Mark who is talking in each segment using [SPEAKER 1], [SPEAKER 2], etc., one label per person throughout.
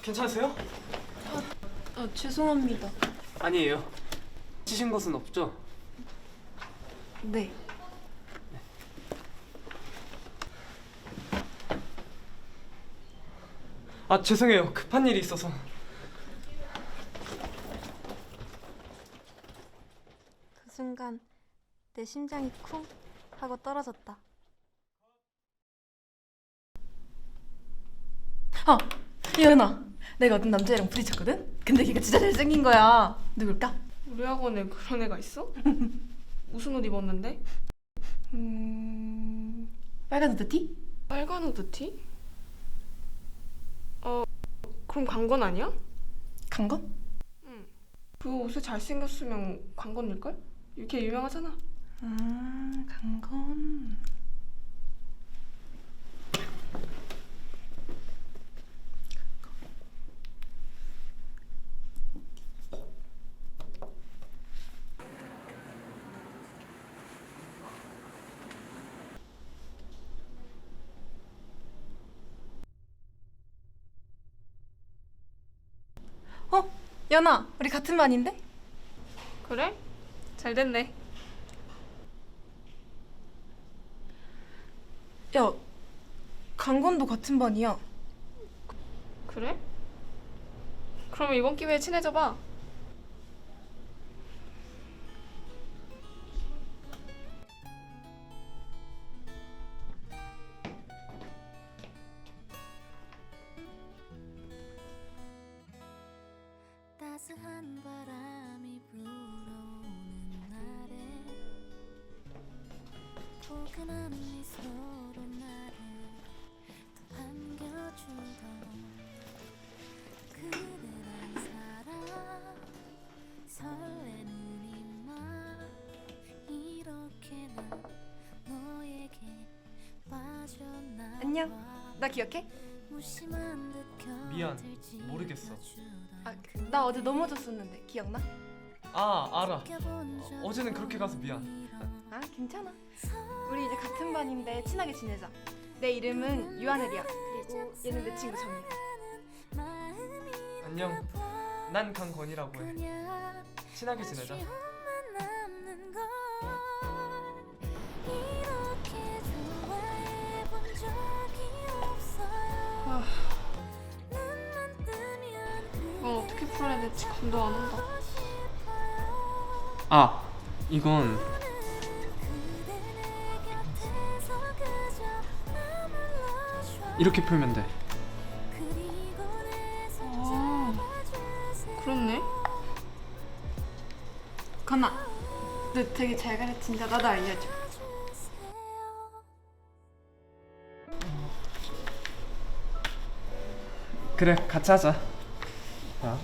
[SPEAKER 1] 괜찮으세요?
[SPEAKER 2] 죄송합니다.
[SPEAKER 1] 아니에요. 찢은 것은 없죠?
[SPEAKER 2] 네.
[SPEAKER 1] 아, 죄송해요. 급한 일이 있어서.
[SPEAKER 2] 그 순간 내 심장이 쿵 하고 떨어졌다. 예은아, 내가 어떤 남자애랑 부딪혔거든? 근데 걔가 진짜 잘생긴 거야. 누굴까?
[SPEAKER 3] 우리 학원에 그런 애가 있어? 무슨 옷 입었는데?
[SPEAKER 2] 빨간 후드티?
[SPEAKER 3] 빨간 후드티? 그럼 강건 아니야?
[SPEAKER 2] 강건?
[SPEAKER 3] 그 옷에 잘생겼으면 강건일걸? 이렇게 유명하잖아.
[SPEAKER 2] 아, 강건. 연아, 우리 같은 반인데?
[SPEAKER 3] 그래? 잘 됐네.
[SPEAKER 2] 야, 강건도 같은 반이야.
[SPEAKER 3] 그래? 그럼 이번 기회에 친해져봐.
[SPEAKER 4] 따스한 바람이 불어오는 날에 포근한 미소로 나를 더 반겨주던 그대란 사람 설레는 이맘 이렇게 난 너에게 빠져나와
[SPEAKER 2] 안녕, 나 기억해?
[SPEAKER 4] 무심한 듯
[SPEAKER 1] 미안,
[SPEAKER 4] 곁을
[SPEAKER 1] 모르겠어.
[SPEAKER 2] 나 어제 넘어졌었는데 기억나?
[SPEAKER 1] 아, 알아. 어제는 그렇게 가서 미안.
[SPEAKER 2] 아, 괜찮아. 우리 이제 같은 반인데 친하게 지내자. 내 이름은 유하늘이야. 그리고 얘는 내 친구 정이야.
[SPEAKER 1] 안녕. 난 강건이라고 해. 친하게 지내자.
[SPEAKER 3] 이건 어떻게 풀어야 될지 감도 안 온다.
[SPEAKER 1] 아, 이건 이렇게 풀면 돼.
[SPEAKER 3] 그렇네.
[SPEAKER 2] 건아, 너 되게 잘 가르친다. 나도 알려줘.
[SPEAKER 1] 그래, 같이 하자. 자,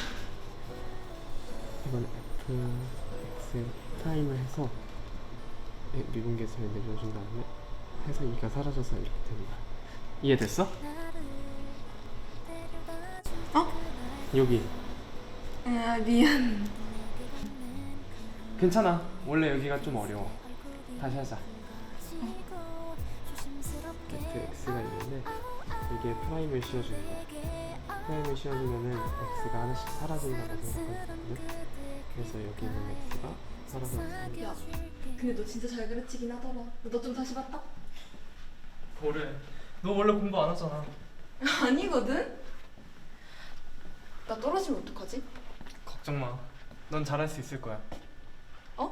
[SPEAKER 1] 이건 X 타임을 해서 미분계수를 내려준 다음에 해서 2가 사라져서 이렇게 되는 거야. 이해됐어? 여기.
[SPEAKER 2] 아, 미안.
[SPEAKER 1] 괜찮아. 원래 여기가 좀 어려워. 다시 하자. 밑에 X가 있는데 이게 프라임을 씌워주는 거야. 프라임을 씌워주면은 X가 하나씩 사라진다고 생각하거든요. 그래서 여기 있는 X가 사라졌습니다.
[SPEAKER 2] 야, 근데 너 진짜 잘 가르치긴 하더라. 너 좀 다시 봤다?
[SPEAKER 1] 뭐래? 너 원래 공부 안 하잖아.
[SPEAKER 2] 아니거든? 나 떨어지면 어떡하지?
[SPEAKER 1] 걱정 마. 넌 잘할 수 있을 거야.
[SPEAKER 2] 어?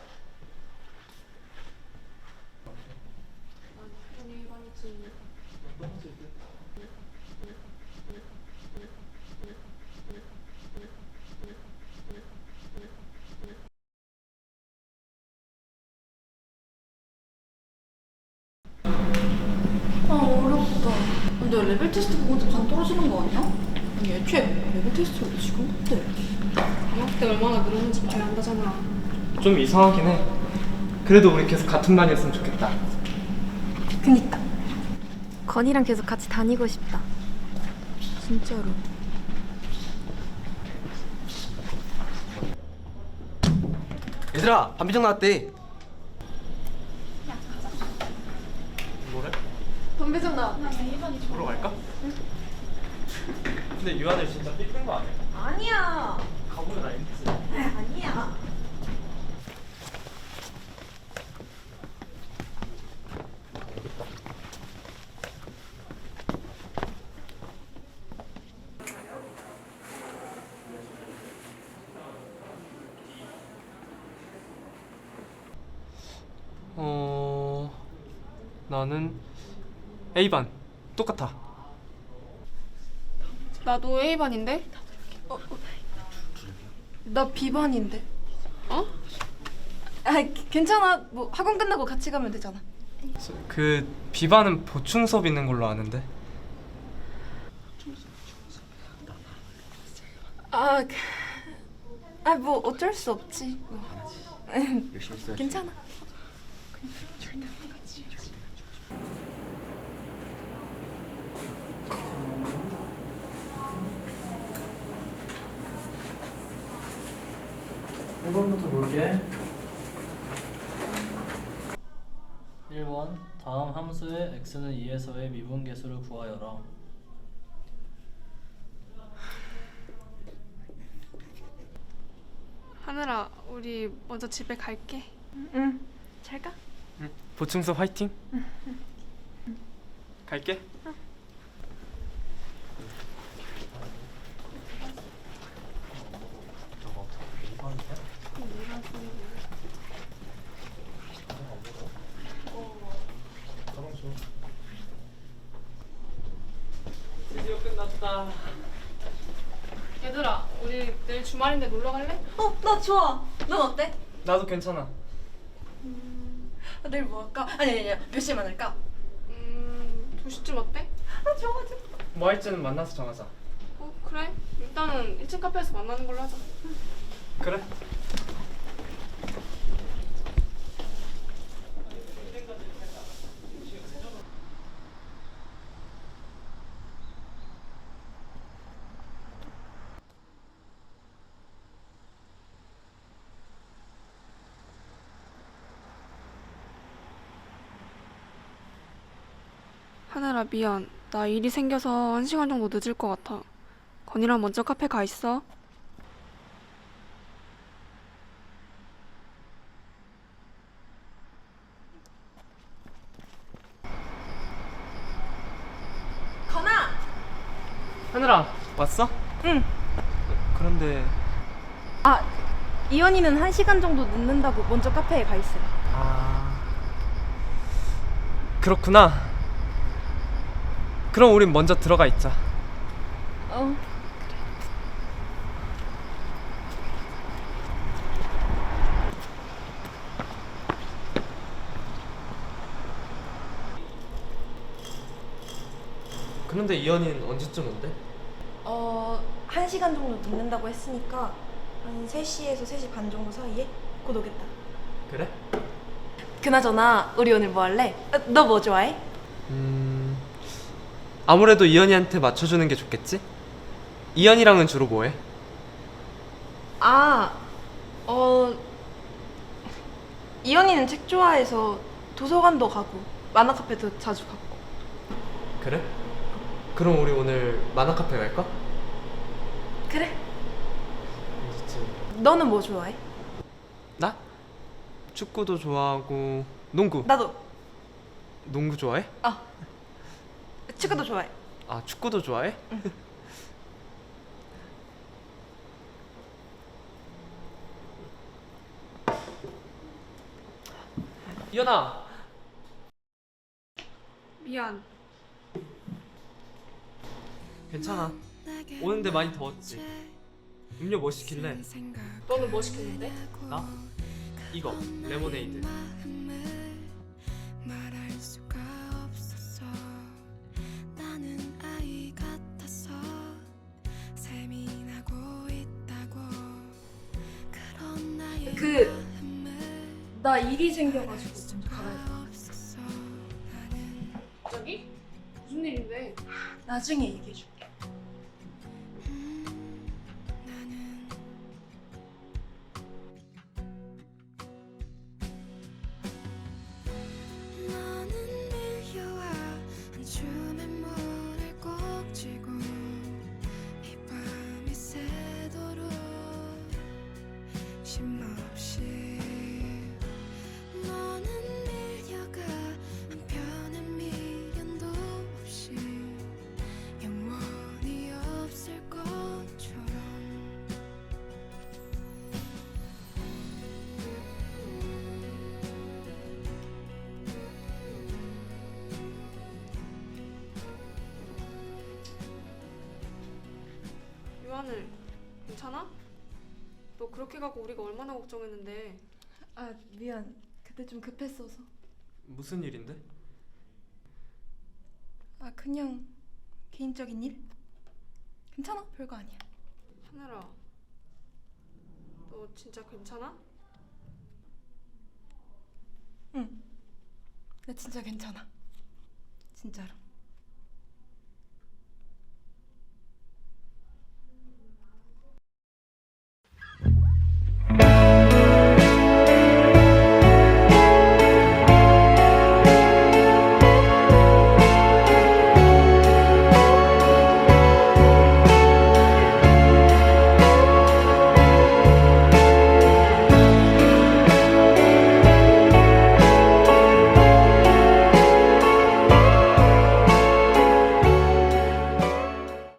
[SPEAKER 2] 아, 어렵다. 근데 레벨 테스트 보고도 반 떨어지는 거 아니야? 아니, 애초에 레벨 테스트를 왜 지금 못해?
[SPEAKER 3] 방학 때 얼마나 늘었는지 봐야 한다잖아.
[SPEAKER 1] 좀 이상하긴 해. 그래도 우리 계속 같은 반이었으면 좋겠다.
[SPEAKER 2] 그니까. 건이랑 계속 같이 다니고 싶다. 진짜로.
[SPEAKER 5] 얘들아, 반비정 나왔대.
[SPEAKER 1] 뭐래?
[SPEAKER 2] 건배정 나왔다.
[SPEAKER 1] 보러 갈까? 근데 유한을 진짜 삐끗한 거 아니야?
[SPEAKER 2] 아니야.
[SPEAKER 1] 가보면 알겠지.
[SPEAKER 2] 아니야.
[SPEAKER 1] 나는 A반 똑같아.
[SPEAKER 3] 나도 A반인데?
[SPEAKER 2] 나 B반인데.
[SPEAKER 3] 어?
[SPEAKER 2] 아, 괜찮아. 뭐 학원 끝나고 같이 가면 되잖아.
[SPEAKER 1] 그 B반은 보충 수업 있는 걸로 아는데.
[SPEAKER 2] 뭐 어쩔 수 없지. 뭐. 괜찮아.
[SPEAKER 5] 일번부터 볼게. 1번 다음 함수의 x는 2에서의 미분계수를 구하여라.
[SPEAKER 3] 하늘아, 우리 먼저 집에 갈게.
[SPEAKER 2] 응. 잘 가.
[SPEAKER 1] 보충 수업 화이팅. 갈게. 드디어 끝났다.
[SPEAKER 3] 얘들아, 우리 내일 주말인데 놀러 갈래?
[SPEAKER 2] 나 좋아. 넌 어때?
[SPEAKER 1] 나도 괜찮아.
[SPEAKER 2] 내일 뭐 할까? 아니. 몇 시에 만날까?
[SPEAKER 3] 2시쯤 어때?
[SPEAKER 2] 좋아.
[SPEAKER 1] 뭐 할지는 만나서 정하자.
[SPEAKER 3] 그래. 일단은 1층 카페에서 만나는 걸로 하자.
[SPEAKER 1] 그래.
[SPEAKER 3] 하늘아, 미안. 나 일이 생겨서 1시간 정도 늦을 것 같아. 건이랑 먼저 카페 가 있어.
[SPEAKER 2] 건아.
[SPEAKER 1] 하늘아 왔어?
[SPEAKER 2] 응.
[SPEAKER 1] 그런데
[SPEAKER 2] 이현이는 1시간 정도 늦는다고 먼저 카페에 가 있어요.
[SPEAKER 1] 그렇구나. 그럼 우린 먼저 들어가 있자. 그런데 이현이는 언제쯤 온대?
[SPEAKER 2] 1시간 정도 늦는다고 했으니까 한 3시에서 3시 반 정도 사이에 곧 오겠다.
[SPEAKER 1] 그래?
[SPEAKER 2] 그나저나 우리 오늘 뭐 할래? 너 뭐 좋아해?
[SPEAKER 1] 아무래도 이현이한테 맞춰주는 게 좋겠지? 이현이랑은 주로 뭐해?
[SPEAKER 2] 이현이는 책 좋아해서 도서관도 가고 만화 카페도 자주 가고.
[SPEAKER 1] 그래? 그럼 우리 오늘 만화 카페 갈까?
[SPEAKER 2] 그래.
[SPEAKER 1] 언제쯤?
[SPEAKER 2] 너는 뭐 좋아해?
[SPEAKER 1] 나? 축구도 좋아하고 농구.
[SPEAKER 2] 나도.
[SPEAKER 1] 농구 좋아해?
[SPEAKER 2] 축구도 좋아해.
[SPEAKER 1] 아 축구도 좋아해? 이현아.
[SPEAKER 3] 미안.
[SPEAKER 1] 괜찮아. 오는데 많이 더웠지. 음료 뭐 시킬래?
[SPEAKER 3] 너는 뭐 시켰는데?
[SPEAKER 1] 나? 이거 레모네이드.
[SPEAKER 4] 말할 수가 없었어. 나는 아이 같아서 세민하고 있다고. 그런 나의
[SPEAKER 2] 나 일이 생겨가지고 먼저 가봐야 돼.
[SPEAKER 4] 없었어.
[SPEAKER 3] 갑자기? 무슨 일인데?
[SPEAKER 2] 나중에 얘기해줄게.
[SPEAKER 4] 나는 너는 밀려와 한 줌의 물을 꼭 쥐고
[SPEAKER 3] 유하늘 괜찮아? 너 그렇게 가고 우리가 얼마나 걱정했는데.
[SPEAKER 2] 아 미안. 그때 좀 급했어서.
[SPEAKER 1] 무슨 일인데?
[SPEAKER 2] 아 그냥 개인적인 일? 괜찮아. 별거 아니야.
[SPEAKER 3] 하늘아, 너 진짜 괜찮아?
[SPEAKER 2] 응. 나 진짜 괜찮아. 진짜로.